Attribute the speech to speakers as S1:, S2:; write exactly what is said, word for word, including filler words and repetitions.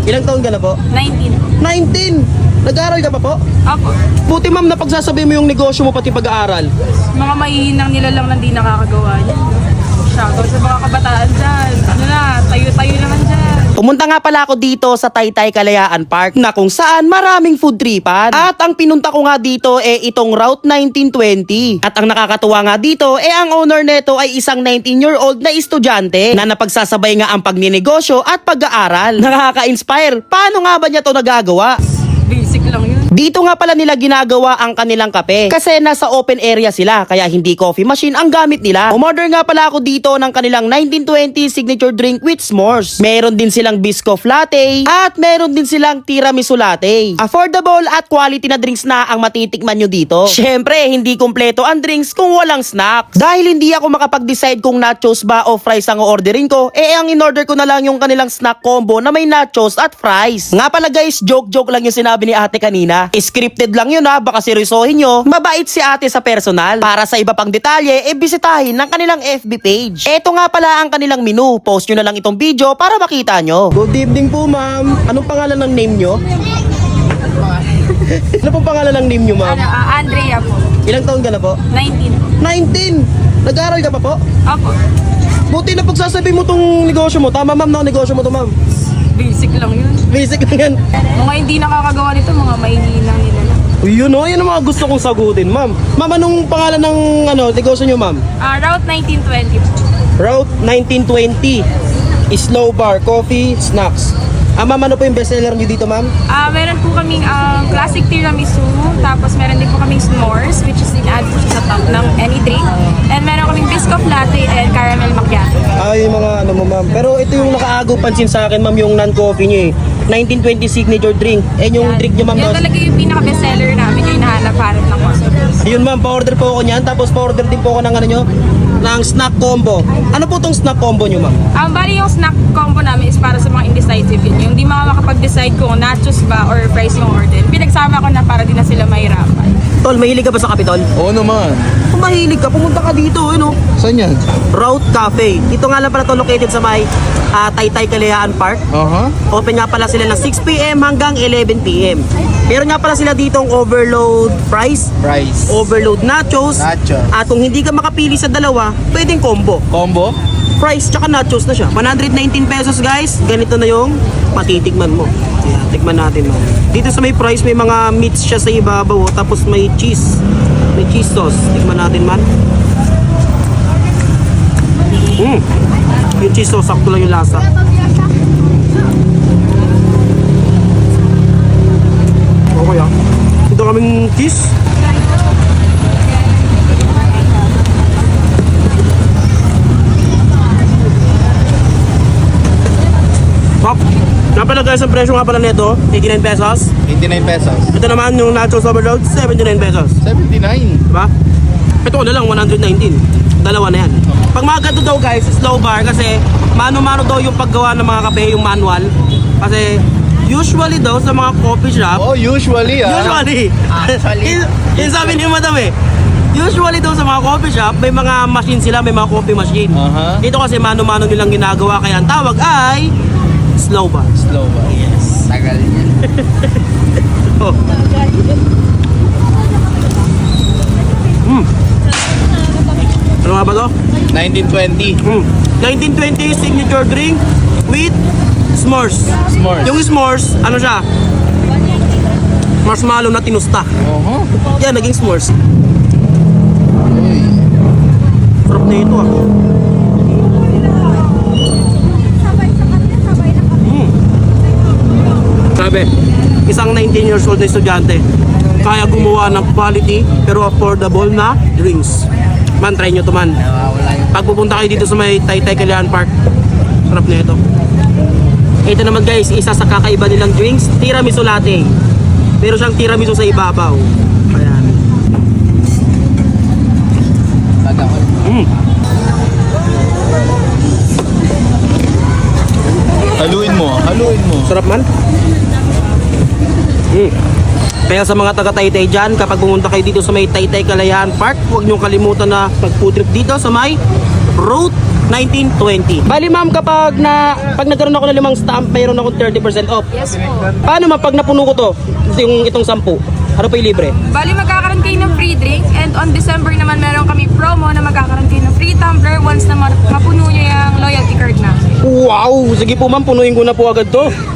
S1: Ilang taon ka na po?
S2: nineteen.
S1: nineteen! Nag-aaral ka pa po?
S2: Opo.
S1: Buti ma'am, napagsasabi mo yung negosyo mo pati pag-aaral.
S2: Mga maihinang nila lang na di nakakagawa niya. Shoutout sa mga kabataan dyan. Ano na, tayo-tayo naman dyan.
S1: Pumunta nga pala ako dito sa Taytay Kalayaan Park na kung saan maraming food tripan. At ang pinunta ko nga dito eh itong Route nineteen twenty. At ang nakakatuwa nga dito eh ang owner neto ay isang nineteen year old na estudyante na napagsasabay nga ang pagninegosyo at pag-aaral. Nakaka-inspire. Paano nga ba niya to nagagawa?
S2: Basic lang yun.
S1: Dito nga pala nila ginagawa ang kanilang kape kasi nasa open area sila kaya hindi coffee machine ang gamit nila. Umorder nga pala ako dito ng kanilang nineteen twenty signature drink with s'mores. Meron din silang biscoff latte at meron din silang tiramisu latte. Affordable at quality na drinks na ang matitikman nyo dito. Syempre, hindi kumpleto ang drinks kung walang snack. Dahil hindi ako makapag-decide kung nachos ba o fries ang orderin ko, eh ang in-order ko na lang yung kanilang snack combo na may nachos at fries. Nga pala guys, joke-joke lang yung sinabi ni ate kanina. Scripted lang yun ha, baka seryosohin nyo. Mabait si ate sa personal. Para sa iba pang detalye, e bisitahin ng kanilang F B page. Eto nga pala ang kanilang menu. Post nyo na lang itong video para makita nyo. Good evening po ma'am. Anong pangalan ng name nyo? Ano pong pangalan ng name nyo ma'am?
S2: Ano, ah, Andrea po.
S1: Ilang taon ka na po?
S2: nineteen.
S1: nineteen! Nag-aaral ka pa po?
S2: Opo.
S1: Buti na pagsasabi mo tong negosyo mo. Tama ma'am na negosyo mo to ma'am.
S2: Basic lang yun.
S1: Basic lang yan.
S2: Mga hindi nakakagawa nito, mga maihinang nila lang.
S1: Uy, yun o, yan ang mga gusto kong sagutin ma'am. Ma'am, anong pangalan ng ano, negosyo nyo ma'am?
S2: Ah, Route nineteen twenty po.
S1: Route nineteen twenty. Slow bar, coffee, snacks. Ah, ma'am, ano po yung bestseller nyo dito, ma'am?
S2: Ah, meron po kaming um, classic tiramisu, tapos meron din po kaming s'mores, which is in-add po siya sa top ng any drink. And meron kaming biscoff latte and caramel macchiato.
S1: Ah, yung mga ano mo, ma'am. Pero ito yung nakaagaw pansin sa akin, ma'am, yung non-coffee nyo eh. nineteen twenty signature drink. Eh, yung
S2: Yan.
S1: drink nyo, ma'am.
S2: Yan
S1: no?
S2: talaga yung pinaka-bestseller namin, yung hinahanap-hanap ng customers.
S1: Ayun, ma'am, pa-order po ako niyan. Tapos pa-order din po ako ng ano nyo, ng snack combo. Ano po tong snack combo nyo, ma'am?
S2: Ang bali yung snack combo namin is para sa mga indecisive yun. Yung di mga makapag-decide kung nachos ba or fries yung order. Pinagsama ko na para di na sila mahirapan.
S1: Tol, mahilig ka ba sa Kapitol?
S3: Oo naman.
S1: Kung mahilig ka, pumunta ka dito, ano?
S3: Saan yan?
S1: Route Cafe. Ito nga lang pala to located sa may ah, Taytay Kalayaan Park.
S3: Aha.
S1: Open nga pala sila ng six p m hanggang eleven p m Meron nga pala sila ditong overload fries,
S3: Price.
S1: overload nachos,
S3: Nachos.
S1: at kung hindi ka makapili sa dalawa, pwedeng combo.
S3: Combo?
S1: Fries tsaka nachos na siya. one hundred nineteen pesos guys. Ganito na yung matitikman mo. Yan, tikman natin man. Dito sa may fries may mga meats siya sa ibabaw, oh, tapos may cheese. May cheese sauce. Tikman natin man. Mm. Yung cheese sauce, sakto lang yung lasa. Okay ah. Ito kaming cheese. Pop. Nga pala guys, ang presyo nga pala nito, eighty-nine pesos.
S3: eighty-nine pesos.
S1: Ito naman yung nachos overload, seventy-nine pesos.
S3: seventy-nine.
S1: Diba? Ito ko na lang, one hundred nineteen. Dalawa na yan. Pag mga ganito daw guys, slow bar kasi mano-mano daw yung paggawa ng mga kape, yung manual. Kasi usually daw sa mga coffee shop,
S3: Oh, usually ah.
S1: usually,
S3: Actually.
S1: yun, yun sabi ni madam eh, usually daw sa mga coffee shop, may mga machine sila, may mga coffee machine.
S3: Aha.
S1: Dito kasi mano-mano nilang ginagawa, kaya ang tawag ay slow bar.
S3: Slow ba? Yes. Tagal niya.
S1: Oh. Mm. Ano nga ba to?
S3: nineteen twenty.
S1: Mm. nineteen twenty signature drink with s'mores.
S3: S'mores.
S1: Yung s'mores, ano siya? Marshmallow na tinusta.
S3: Oho.
S1: Yan, naging s'mores.
S3: Uy.
S1: Sarap na ito ah. Mm. Sabi, isang nineteen years old na estudyante, kaya gumawa ng quality pero affordable na drinks. Man, try nyo to man. Pag pupunta kayo dito sa may Taytay Kalayaan Park, sarap na ito. Ito naman guys, isa sa kakaiba nilang drinks, tiramisu latte. Meron siyang tiramisu sa ibabaw. Ayan. Mm.
S3: Haluin mo, haluin mo.
S1: Sarap man. Mm. Kaya sa mga taga-Taytay dyan, kapag pumunta kayo dito sa may Taytay Kalayaan Park, huwag niyong kalimutan na mag-food trip dito sa may Route nineteen twenty. Bali ma'am, kapag na pag nagkaroon ako ng limang stamp, mayroon akong thirty percent off.
S2: Yes po.
S1: Paano ma'am pag napuno ko to, yung itong sampu? Ano pa yung libre?
S2: Bali, magkakaroon kayo ng free drink. And on December naman, meron kami promo na magkakaroon kayo ng free tumbler once na ma- mapuno nyo yung loyalty card na.
S1: Wow! Sige po ma'am, punuin ko na po agad to.